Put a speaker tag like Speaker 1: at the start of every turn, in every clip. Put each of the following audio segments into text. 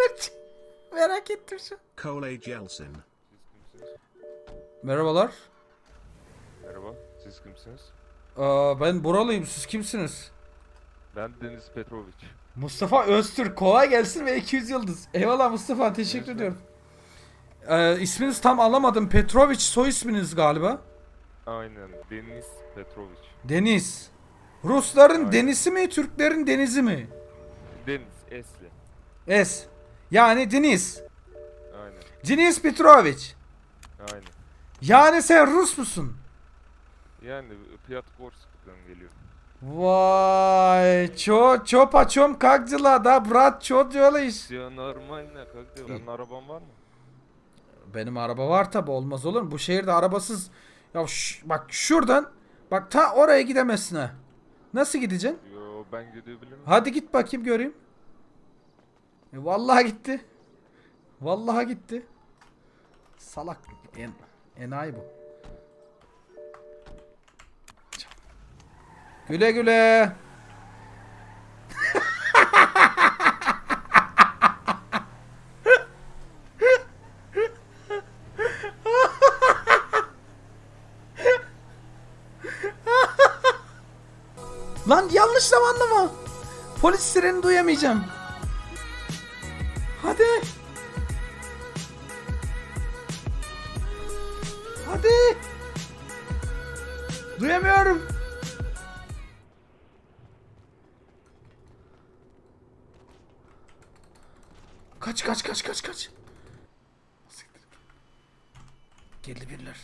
Speaker 1: Merak ettim şu.
Speaker 2: Cole Jelsin.
Speaker 1: Merhabalar.
Speaker 3: Merhaba, siz kimsiniz?
Speaker 1: Ben buralıyım. Siz kimsiniz?
Speaker 3: Ben Deniz Petrovic.
Speaker 1: Mustafa Öztürk. Kolay gelsin ve 200 yıldız. Eyvallah Mustafa. Teşekkür ediyorum. İsminiz tam alamadım. Petrovic soy isminiz galiba.
Speaker 3: Aynen, Deniz Petrovic.
Speaker 1: Deniz. Rusların
Speaker 3: Aynen.
Speaker 1: denizi mi, Türklerin denizi mi?
Speaker 3: Deniz, Esli.
Speaker 1: Es. Yani Deniz.
Speaker 3: Aynen,
Speaker 1: Deniz Petrovic.
Speaker 3: aynen.
Speaker 1: Yani sen Rus musun?
Speaker 3: Yani Piotr-Gorsk'tan geliyor.
Speaker 1: Vay. Ço paçom как дела, да, брат, ço делаешь?
Speaker 3: Ya normal ne kanka? Senin araban var mı?
Speaker 1: Benim araba var tabi, olmaz olur mu? Bu şehirde arabasız. Ya bak şuradan. Bak ta oraya gidemezsin ha. Nasıl gideceksin?
Speaker 3: Yo, ben gidebilirim.
Speaker 1: Hadi git bakayım göreyim. Vallahi gitti. Vallahi gitti. Salak. Enayi bu. Güle güle. Lan yanlış zamanlama. Polis sireni duyamayacağım. Hadi. Hadi. Duyamıyorum. Kaç. Geldi biriler.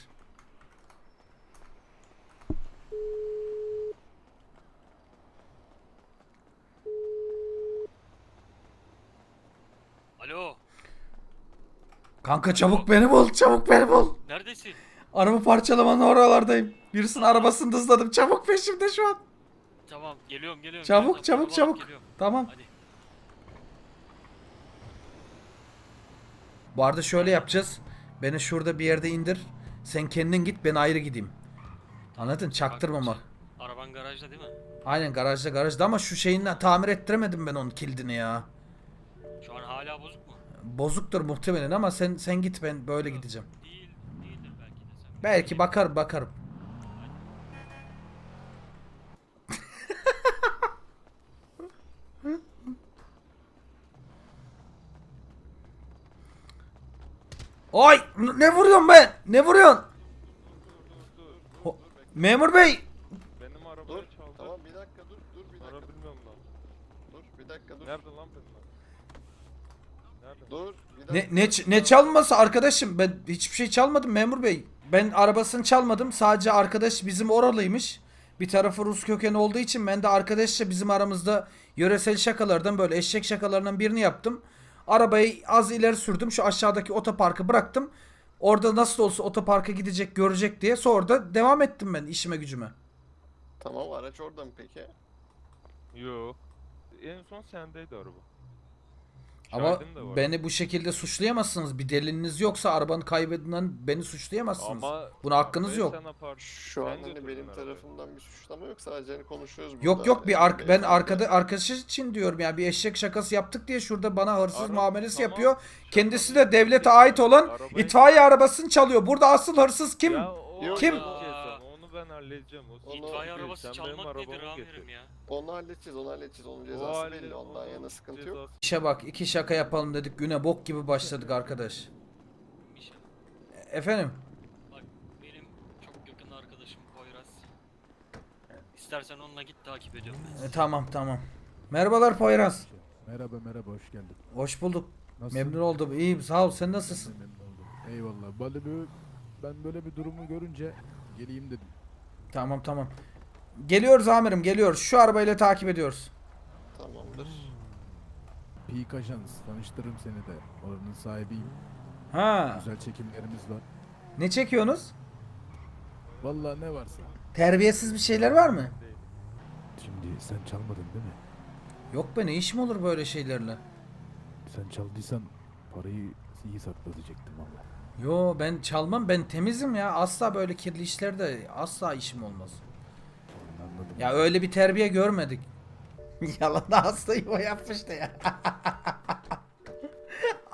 Speaker 4: Alo,
Speaker 1: Kanka çabuk beni bul. Çabuk beni bul.
Speaker 4: neredesin?
Speaker 1: Araba parçalamanın oralardayım. Birisinin arabasını hızladım. Çabuk peşimde şu an.
Speaker 4: Tamam, geliyorum.
Speaker 1: Çabuk
Speaker 4: Birazdan
Speaker 1: çabuk
Speaker 4: araba
Speaker 1: çabuk.
Speaker 4: alıp geliyorum.
Speaker 1: Tamam.
Speaker 4: Hadi.
Speaker 1: Bu arada şöyle yapacağız. Beni şurada bir yerde indir. Sen kendin git, ben ayrı gideyim. Anladın? Çaktırmama.
Speaker 4: Araban garajda değil mi?
Speaker 1: Aynen garajda ama şu şeyini tamir ettiremedim ben onun kilidini ya.
Speaker 4: Şu an hala bozuk mu?
Speaker 1: Bozuktur muhtemelen ama sen git, ben böyle gideceğim.
Speaker 4: Değildir belki de sen.
Speaker 1: Belki bakarım. Ay ne vuruyorsun be? Ne vuruyorsun? Memur bey.
Speaker 3: Benim arabayı
Speaker 5: Dur,
Speaker 3: çaldı.
Speaker 5: tamam bir dakika dur bir dakika.
Speaker 3: Ara bilmiyorum lan.
Speaker 5: Dur bir dakika dur.
Speaker 3: Nerede lan benim arabam? Nerede?
Speaker 5: Dur bir dakika.
Speaker 1: Ne çalması arkadaşım? Ben hiçbir şey çalmadım memur bey. Ben arabasını çalmadım. Sadece arkadaş bizim oralıymış. Bir tarafı Rus kökenli olduğu için ben de arkadaşça bizim aramızda yöresel şakalardan, böyle eşek şakalarından birini yaptım. Arabayı az ileri sürdüm. Şu aşağıdaki otoparkı bıraktım. Orada nasıl olsa otoparka gidecek, görecek diye. Sonra da devam ettim ben işime gücüme.
Speaker 5: Tamam araç orada mı peki?
Speaker 3: Yo. En son sendeydi araba.
Speaker 1: Ama
Speaker 3: Şahidim de var.
Speaker 1: beni bu şekilde suçlayamazsınız. Bir deliliniz yoksa arabanın kaybedilen beni suçlayamazsınız.
Speaker 3: Ama
Speaker 1: Buna hakkınız
Speaker 3: arabayı
Speaker 1: yok.
Speaker 3: sen apar-
Speaker 5: Şu
Speaker 3: sen
Speaker 5: an hani
Speaker 3: götürdün
Speaker 5: benim
Speaker 3: arabayı.
Speaker 5: tarafımdan bir suçlama yok, sadece hani konuşuyoruz burada.
Speaker 1: Yok bir
Speaker 5: Yani
Speaker 1: ben
Speaker 5: beyefendi.
Speaker 1: arkadaş için diyorum ya, bir eşek şakası yaptık diye şurada bana hırsız
Speaker 3: Ara-
Speaker 1: muamelesi
Speaker 3: tamam,
Speaker 1: yapıyor.
Speaker 3: şaka
Speaker 1: Kendisi
Speaker 3: değil.
Speaker 1: de devlete ait olan
Speaker 3: Arabayı-
Speaker 1: itfaiye arabasını çalıyor. Burada asıl hırsız kim?
Speaker 3: Ya o
Speaker 5: Kim?
Speaker 3: halledeceğiz ama, onu ben halledeceğim. O
Speaker 5: Onu-
Speaker 4: İtfaiye
Speaker 3: değil,
Speaker 4: arabası
Speaker 3: sen benim
Speaker 4: çalmak nedir
Speaker 3: arabamı
Speaker 4: amirim
Speaker 3: getir.
Speaker 4: ya?
Speaker 5: Onu halledeceğiz. Onun
Speaker 3: O
Speaker 5: cezası
Speaker 3: halde-
Speaker 5: belli. Ondan yana sıkıntı yok.
Speaker 3: cezası-
Speaker 1: İşe bak, iki şaka yapalım dedik, güne bok gibi başladık arkadaş.
Speaker 4: Bir şey.
Speaker 1: Efendim?
Speaker 4: Bak benim çok yakın arkadaşım Poyraz. İstersen onunla git takip ediyorum ben sizi.
Speaker 1: Tamam. Merhabalar Poyraz.
Speaker 6: Merhaba hoş geldin.
Speaker 1: Hoş bulduk.
Speaker 6: Nasılsın?
Speaker 1: Memnun oldum. İyiyim sağ ol. Sen
Speaker 6: Ben de
Speaker 1: nasılsın?
Speaker 6: memnun oldum. Eyvallah. Ben böyle bir durumu görünce geleyim dedim.
Speaker 1: Tamam. Geliyoruz amirim, geliyoruz. Şu arabayla takip ediyoruz.
Speaker 5: Tamamdır.
Speaker 6: Peak Ajans. Tanıştırırım seni de. Oranın sahibiyim.
Speaker 1: Ha.
Speaker 6: Güzel çekimlerimiz var.
Speaker 1: Ne çekiyorsunuz?
Speaker 6: Vallahi ne varsa.
Speaker 1: Terbiyesiz bir şeyler var mı?
Speaker 6: Şimdi sen çalmadın değil mi?
Speaker 1: Yok be, ne iş mi olur böyle şeylerle?
Speaker 6: Sen çaldıysan parayı iyi sakla diyecektim valla.
Speaker 1: Yo ben çalmam, ben temizim ya, asla böyle kirli işlerde asla işim olmaz.
Speaker 6: Anladım.
Speaker 1: Ya öyle bir terbiye görmedik. Yalan da hastayı o yapmıştı ya.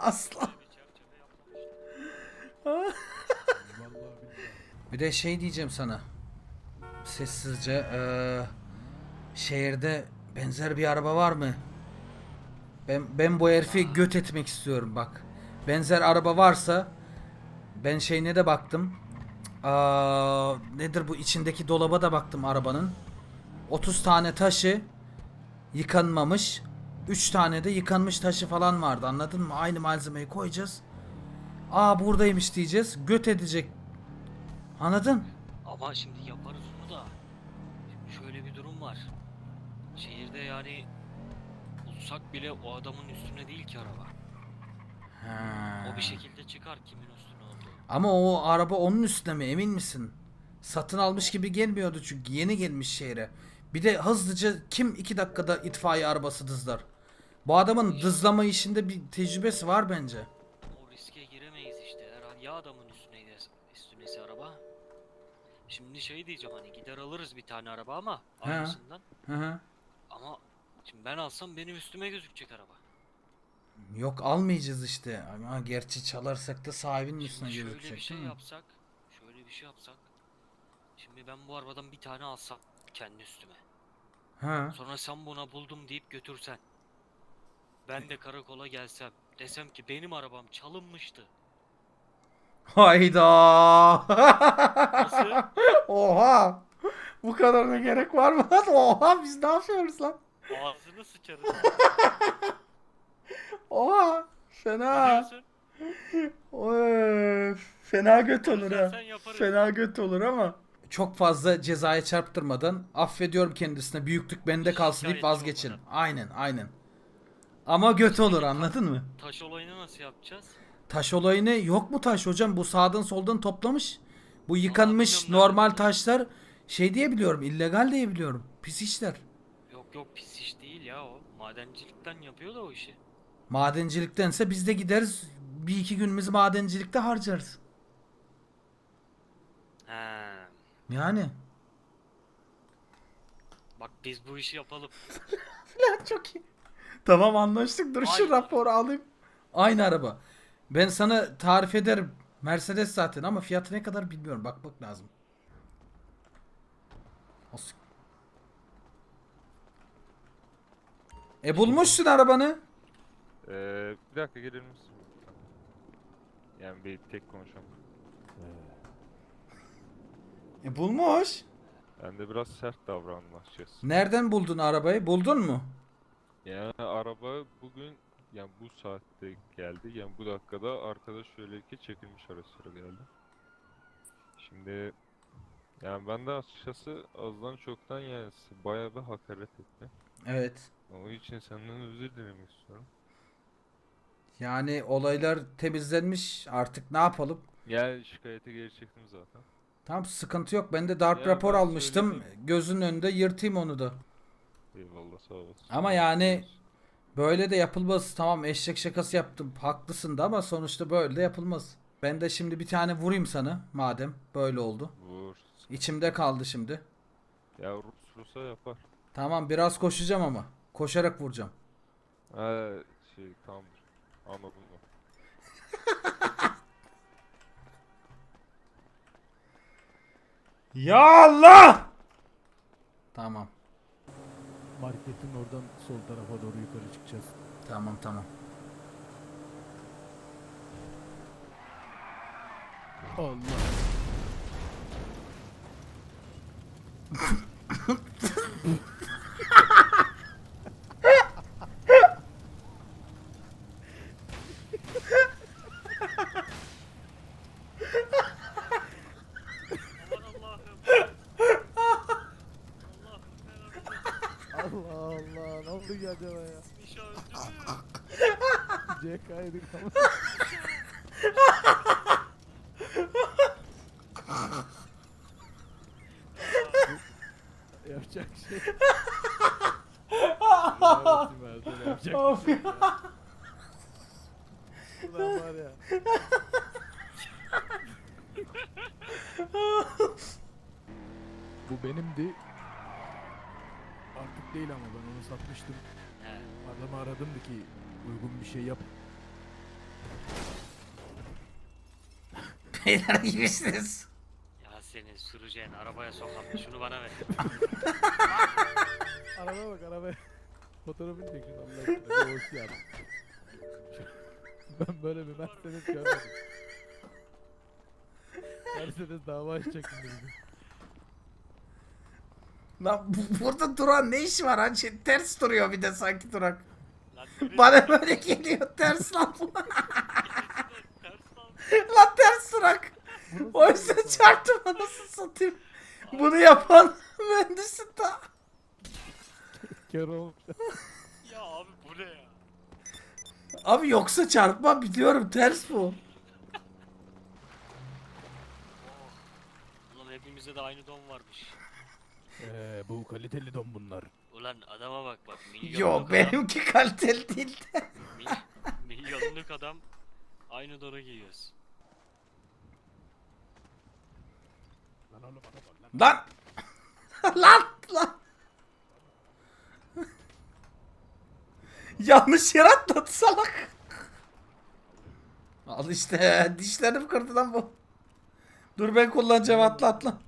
Speaker 1: Asla.
Speaker 4: Böyle bir çerçeve yapmamışlar.
Speaker 6: Vallahi billahi.
Speaker 1: Bir de şey diyeceğim sana. Sessizce. Şehirde benzer bir araba var mı? Ben bu herifi göt etmek istiyorum bak. Benzer araba varsa ben şeyine de baktım. Nedir bu içindeki dolaba da baktım arabanın. 30 tane taşı yıkanmamış. 3 tane de yıkanmış taşı falan vardı, anladın mı? Aynı malzemeyi koyacağız. Buradaymış diyeceğiz. Göt edecek. Anladın?
Speaker 4: Ama şimdi yaparız onu da. Şimdi şöyle bir durum var. Şehirde yani bulsak bile o adamın üstüne değil ki araba.
Speaker 1: Ha.
Speaker 4: O bir şekilde çıkar kimin üstüne olduğu.
Speaker 1: Ama o araba onun üstüne mi, emin misin? Satın almış gibi gelmiyordu çünkü yeni gelmiş şehre. Bir de hızlıca kim 2 dakikada itfaiye arabası dızlar? Bu adamın dızlama işinde bir tecrübesi var bence.
Speaker 4: O riske giremeyiz işte. Herhalde ya adamın üstüneyse araba. Şimdi şey diyeceğim, hani gider alırız bir tane araba ama
Speaker 1: He.
Speaker 4: aynısından.
Speaker 1: Hı hı.
Speaker 4: Ama şimdi ben alsam benim üstüme gözükecek araba.
Speaker 1: Yok, almayacağız işte. Ama gerçi çalarsak da sahibinin üstüne
Speaker 4: Şimdi şöyle
Speaker 1: gözükecek
Speaker 4: bir şey
Speaker 1: değil mi?
Speaker 4: yapsak. Şöyle bir şey yapsak. Şimdi ben bu arabadan bir tane alsam kendi üstüme.
Speaker 1: Ha.
Speaker 4: Sonra sen buna buldum deyip götürsen. Ben de karakola gelsem. Desem ki benim arabam çalınmıştı.
Speaker 1: Hayda.
Speaker 4: Nasıl?
Speaker 1: Oha. Bu kadarına gerek var mı lan? Oha, biz ne yapıyoruz lan?
Speaker 4: Ağzını sıçarız.
Speaker 1: Oha.
Speaker 4: Ne
Speaker 1: Fena.
Speaker 4: diyorsun?
Speaker 1: Fena göt olur ha.
Speaker 4: Sen yaparız.
Speaker 1: Fena göt olur ama. Çok fazla cezaya çarptırmadan affediyorum kendisine. Büyüklük bende kalsın deyip
Speaker 4: Şikayetçi
Speaker 1: vazgeçin.
Speaker 4: olmadan.
Speaker 1: Aynen. Ama göt olur, anladın mı?
Speaker 4: Taş olayını nasıl yapacağız?
Speaker 1: Taş olayını yok mu taş hocam? Bu sağdan soldan toplamış. Bu yıkanmış
Speaker 4: bilmiyorum,
Speaker 1: normal
Speaker 4: nereden
Speaker 1: taşlar şey diye biliyorum, illegal diye biliyorum. Pis işler.
Speaker 4: Yok pis iş değil ya o. Madencilikten yapıyor da o işi.
Speaker 1: Madenciliktense biz de gideriz. Bir iki günümüzü madencilikte harcarız.
Speaker 4: He.
Speaker 1: Yani.
Speaker 4: Bak biz bu işi yapalım.
Speaker 1: Çok iyi. Tamam, anlaştık. Dur şu
Speaker 4: Aynı
Speaker 1: raporu alayım. Aynı araba. Ben sana tarif ederim. Mercedes zaten ama fiyatı ne kadar bilmiyorum. Bakmak lazım. Bulmuşsun arabanı.
Speaker 3: Bir dakika gelir misin? Yani bir tek konuşalım.
Speaker 1: Bulmuş.
Speaker 3: Ben de biraz sert davrandım açıkçası.
Speaker 1: Nereden buldun arabayı? Buldun mu?
Speaker 3: Yani araba bugün, yani bu saatte geldi. Yani bu dakikada arkadaş şöyle ki çekilmiş ara geldi. Şimdi yani ben de açıkçası azdan çoktan yani bayağı bir hakaret etti.
Speaker 1: Evet.
Speaker 3: Onun için senden özür dilemek istiyorum.
Speaker 1: Yani olaylar temizlenmiş. Artık ne yapalım?
Speaker 3: Yani şikayete geri çektim zaten.
Speaker 1: Tamam, sıkıntı yok. Ben de darp
Speaker 3: Ya
Speaker 1: rapor
Speaker 3: ben
Speaker 1: almıştım.
Speaker 3: söyledim.
Speaker 1: Gözünün önünde yırtayım onu da.
Speaker 3: Eyvallah, sağ olasın.
Speaker 1: Ama yani böyle de yapılmaz. Tamam, eşek şakası yaptım. Haklısın da ama sonuçta böyle de yapılmaz. Ben de şimdi bir tane vurayım sana madem böyle oldu.
Speaker 3: Vur.
Speaker 1: İçimde kaldı şimdi.
Speaker 3: Ya Rus'a yapar.
Speaker 1: Tamam, biraz koşacağım ama. Koşarak vuracağım.
Speaker 3: Ha tamamdır. Anladım mı?
Speaker 1: Ya Allah! Tamam.
Speaker 6: Marketin oradan sol tarafa doğru yukarı çıkacağız.
Speaker 1: Tamam.
Speaker 6: Allah.
Speaker 4: Aman Allah'ım. Allah'ım
Speaker 6: Allah Allah. Ne oldu ki acaba ya?
Speaker 4: Nişa öldü mü?
Speaker 6: CK'ydık ama. Yapacak şey. Yapacak
Speaker 1: Of
Speaker 6: bir şey yok ya. Ulan var ya. Bu benimdi. Artık değil ama ben onu satmıştım.
Speaker 4: He.
Speaker 6: Adamı aradımdı ki uygun bir şey yap.
Speaker 1: Beyler gibisiniz.
Speaker 4: Ya seni süreceğin arabaya sokam. Şunu bana ver.
Speaker 6: Arabaya bak arabaya. Fotoğrafını çek şunu Allah aşkına. Bir hoş geldin. Ben böyle bir Mercedes görmedim. Mercedes dava açacak şimdi bizi.
Speaker 1: Lan burada duran ne işi var? Hani ters duruyor bir de sanki durak.
Speaker 4: Lan nereye-
Speaker 1: Bana böyle geliyor ters lan bu.
Speaker 4: Ters lan.
Speaker 1: Lan ters durak.
Speaker 6: Bu nasıl
Speaker 1: O
Speaker 6: bir
Speaker 1: yüzden
Speaker 6: araba?
Speaker 1: çarptım anasını satayım. Bunu yapan mühendisin ta.
Speaker 6: Kör olmuş.
Speaker 4: Ya abi bu ne ya?
Speaker 1: Abi yoksa çarpma biliyorum ters bu.
Speaker 4: Ulan hepimizde de aynı don varmış.
Speaker 6: Bu kaliteli don bunlar.
Speaker 4: Ulan adama bak bak.
Speaker 1: Yok benimki kaliteli değil de.
Speaker 4: Milyonluk adam aynı donu giyiyoruz.
Speaker 6: Lan oğlum araba lan.
Speaker 1: Lan. Lan. Yanlış yere atladı salak. Al işte dişlerim kırdı lan bu. Dur ben kullanacağım atla.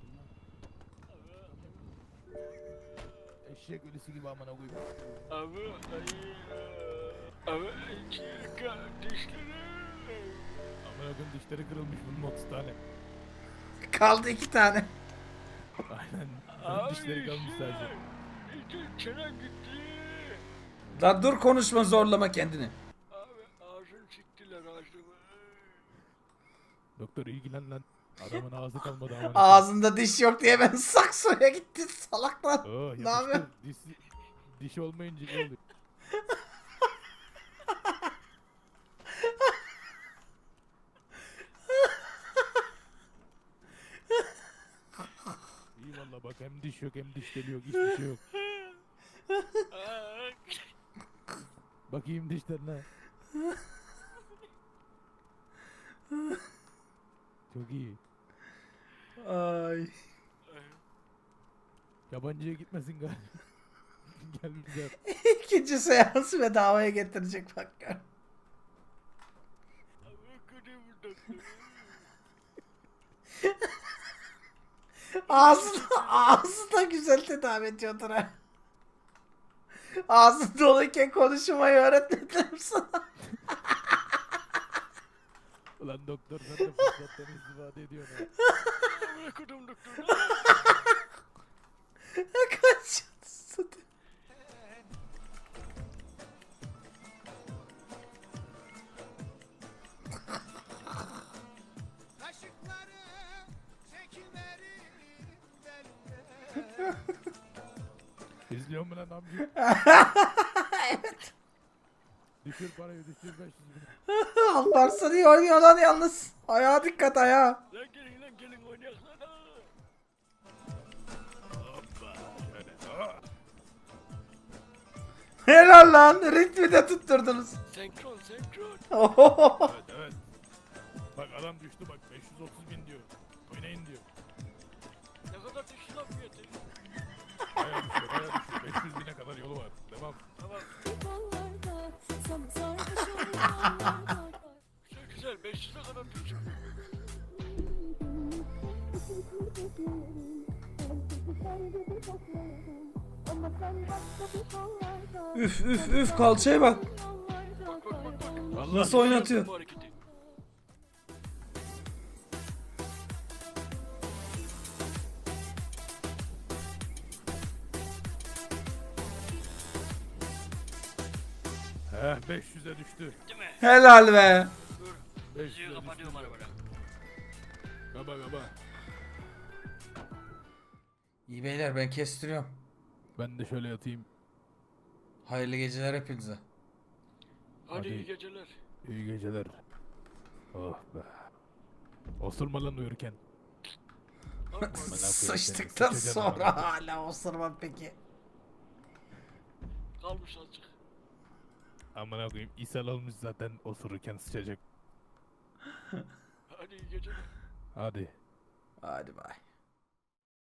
Speaker 6: Eşek ölüsü gibi amına koyayım.
Speaker 4: Abi dişleri.
Speaker 6: Amına koyayım dişleri kırılmış bunun 30 tane.
Speaker 1: Kaldı 2 tane.
Speaker 6: Aynen. Bunun dişleri kalmış sadece.
Speaker 4: Çenen gitti.
Speaker 1: Lan dur konuşma zorlama kendini.
Speaker 4: Abi ağzını siktiler ağzımı.
Speaker 6: Doktor ilgilen lan. Adamın ağzı kalmadı amına koyayım.
Speaker 1: Ağzında diş yok diye ben saksoya gitti salak lan.
Speaker 6: Oh,
Speaker 1: Ne yapıyor?
Speaker 6: Diş olmayınca iyi oluyor. İyi valla bak hem diş yok hem diş deli yok hiçbir şey yok. Bakayım dişlerine. Çok iyi.
Speaker 1: Ay.
Speaker 6: Yabancıya gitmesin galiba. Gel bize.
Speaker 1: İkinci seansı bedavaya getirecek bak gör. Ağzı da güzel tedavi ediyordur ha. Ağzın doluyken konuşmayı öğretmediler mi sana?
Speaker 6: Ulan doktor sen de fırsattan istifade ediyorsun ha.
Speaker 4: Bırakırım doktor.
Speaker 1: Kaç.
Speaker 6: İzliyor mu lan amca?
Speaker 1: Evet.
Speaker 6: Düşür parayı düşür 500 bin.
Speaker 1: Alparslan iyi oynuyor lan yalnız. Ayağa dikkat ayağa.
Speaker 4: Lan gelin oynayalım lan.
Speaker 6: Hoppa şöyle. Ah!
Speaker 1: Helal lan. Ritmi de tutturdunuz.
Speaker 4: Senkron.
Speaker 1: Ohohoho.
Speaker 6: Evet evet. Bak adam düştü bak 530 bin diyor. Oynayın diyor.
Speaker 4: Ne kadar düştü lan fiyatı?
Speaker 6: Baya düşüyor baya düşüyor. 500 bine kadar yolu var. Devam.
Speaker 4: Tamam.
Speaker 2: Kollarda, sarhoş olanlarda.
Speaker 4: Güzel 500'e kadar düştü.
Speaker 1: Üf üf üf kalçaya bak.
Speaker 6: Allah
Speaker 1: Nasıl oynatıyor?
Speaker 4: Bu hareketi.
Speaker 6: Heh 500'e düştü.
Speaker 4: Değil mi?
Speaker 1: Helal be.
Speaker 4: Dur.
Speaker 6: 500'e
Speaker 4: Müziği
Speaker 6: düştü.
Speaker 4: kapatıyorum arabada.
Speaker 6: Kaba kaba.
Speaker 1: İyi beyler ben kestiriyorum.
Speaker 6: Ben de şöyle yatayım.
Speaker 1: Hayırlı geceler hepinize.
Speaker 4: Hadi
Speaker 6: Hadi.
Speaker 4: iyi geceler.
Speaker 6: İyi geceler. Oh be. Osurma lan uyurken.
Speaker 4: Abi,
Speaker 1: Sıçtıktan
Speaker 6: sıçacaksın
Speaker 1: sonra
Speaker 6: ama.
Speaker 1: hala osurmam peki.
Speaker 4: kalmış azıcık.
Speaker 6: Amına koyayım ishal olmuş zaten osururken sıçacak.
Speaker 4: Hadi iyi geceler.
Speaker 6: Hadi.
Speaker 1: Hadi bay.